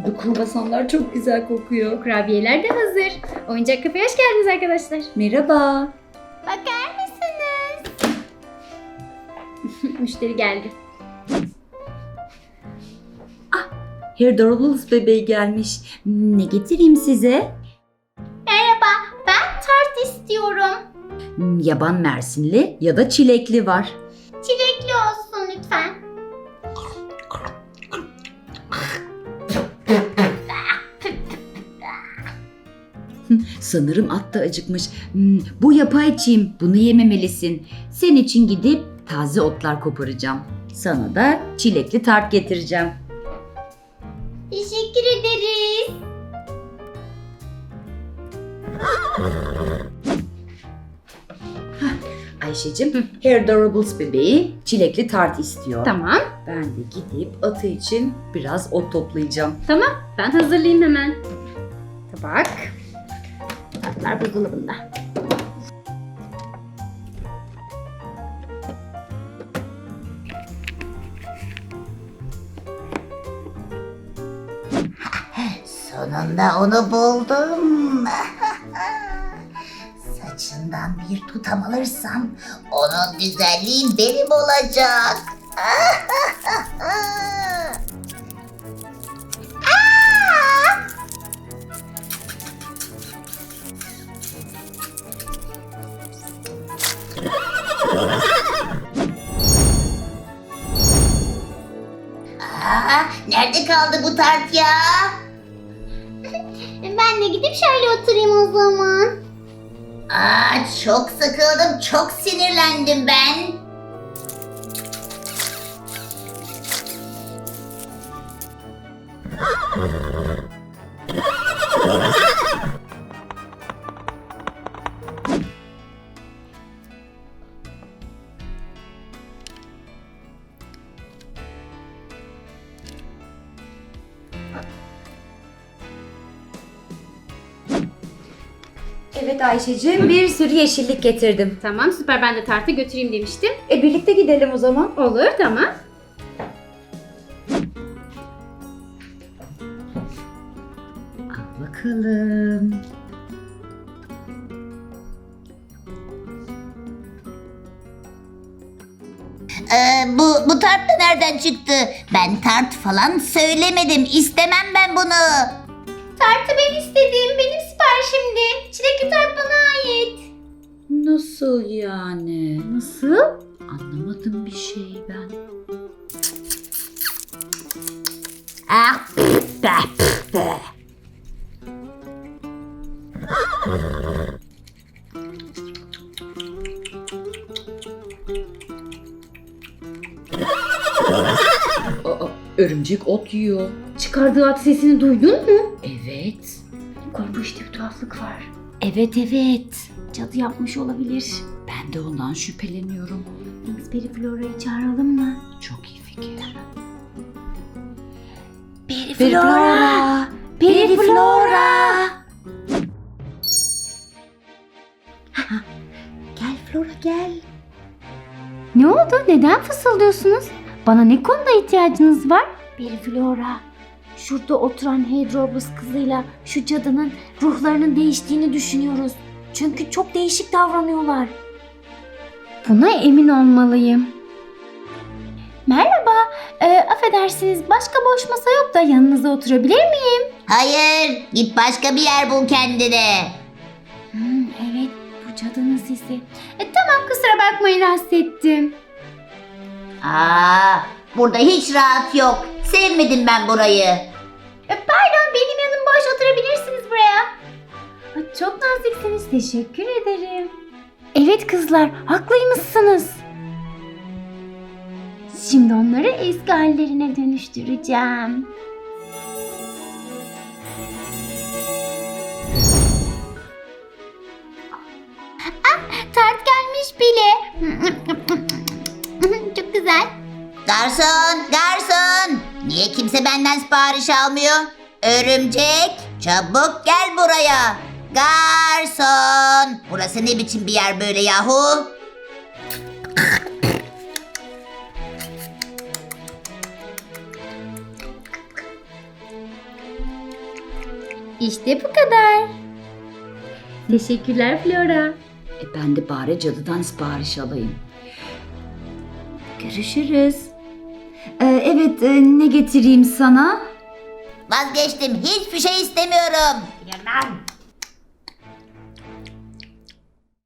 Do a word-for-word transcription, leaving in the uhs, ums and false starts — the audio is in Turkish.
Bu kruvasanlar çok güzel kokuyor. Kurabiyeler de hazır. Oyuncak kafeye hoş geldiniz arkadaşlar. Merhaba. Bakar mısınız? Müşteri geldi. Hair Durables bebeği gelmiş. Ne getireyim size? Merhaba, ben tart istiyorum. Hmm, Yaban mersinli ya da çilekli var. Çilekli olsun lütfen. Sanırım at da acıkmış. Hmm, bu yapay çim. Bunu yememelisin. Senin için gidip taze otlar koparacağım. Sana da çilekli tart getireceğim. Teşekkür ederiz. Ayşe'cim, Hair Durables bebeği çilekli tart istiyor. Tamam, Ben de gidip atı için biraz ot toplayacağım. tamam. Ben hazırlayayım hemen. Tabak. Tatlar buzdolabında. Sonunda onu buldum. Saçından bir tutam alırsam onun güzelliği benim olacak. Aa, nerede kaldı bu tart ya? Ben de gidip şöyle oturayım o zaman. Aa, çok sıkıldım, çok sinirlendim ben. Evet Ayşe'cim, bir sürü yeşillik getirdim. Tamam, süper. Ben de tartı götüreyim demiştim. E birlikte gidelim o zaman. Olur, tamam. Al bakalım. Ee, bu, bu tart da nereden çıktı? Ben tart falan söylemedim, istemem ben bunu. Tartı ben istedim. Benim siparişimdi. Çilekli tart bana ait. Nasıl yani? Nasıl? Anlamadım bir şey ben. Ah, Aa, örümcek ot yiyor. Çıkardığı at sesini duydun mu? Evet. Koy, bu işte bir tuhaflık var. Evet evet. Cadı yapmış olabilir. Ben de ondan şüpheleniyorum. Biz Periflora'yı çağıralım mı? Çok iyi fikir. Periflora! Periflora! Gel Flora gel. Ne oldu? Neden fısıldıyorsunuz? Bana ne konuda ihtiyacınız var? Periflora, şurada oturan Hedrobus kızıyla şu cadının ruhlarının değiştiğini düşünüyoruz. Çünkü çok değişik davranıyorlar. Buna emin olmalıyım. Merhaba, e, affedersiniz, başka boş masa yok da yanınıza oturabilir miyim? hayır, git başka bir yer bul kendine. Hmm, evet, bu cadının sesi. E, tamam, kusura bakmayın, rahatsız ettim. Aa, burada hiç rahat yok. Sevmedim ben burayı. E, pardon, benim yanım boş, oturabilirsiniz buraya. Aa, çok naziksiniz, teşekkür ederim. Evet kızlar, haklıymışsınız. Şimdi onları eski hallerine dönüştüreceğim. Ah, tart gelmiş bile. Çok güzel. Garson, garson. Niye kimse benden sipariş almıyor? Örümcek, çabuk gel buraya. Garson. Burası ne biçim bir yer böyle yahu? İşte bu kadar. Teşekkürler Flora. E ben de bari cadıdan sipariş alayım. Görüşürüz. Ee, evet, e, ne getireyim sana? Vazgeçtim. Hiçbir şey istemiyorum.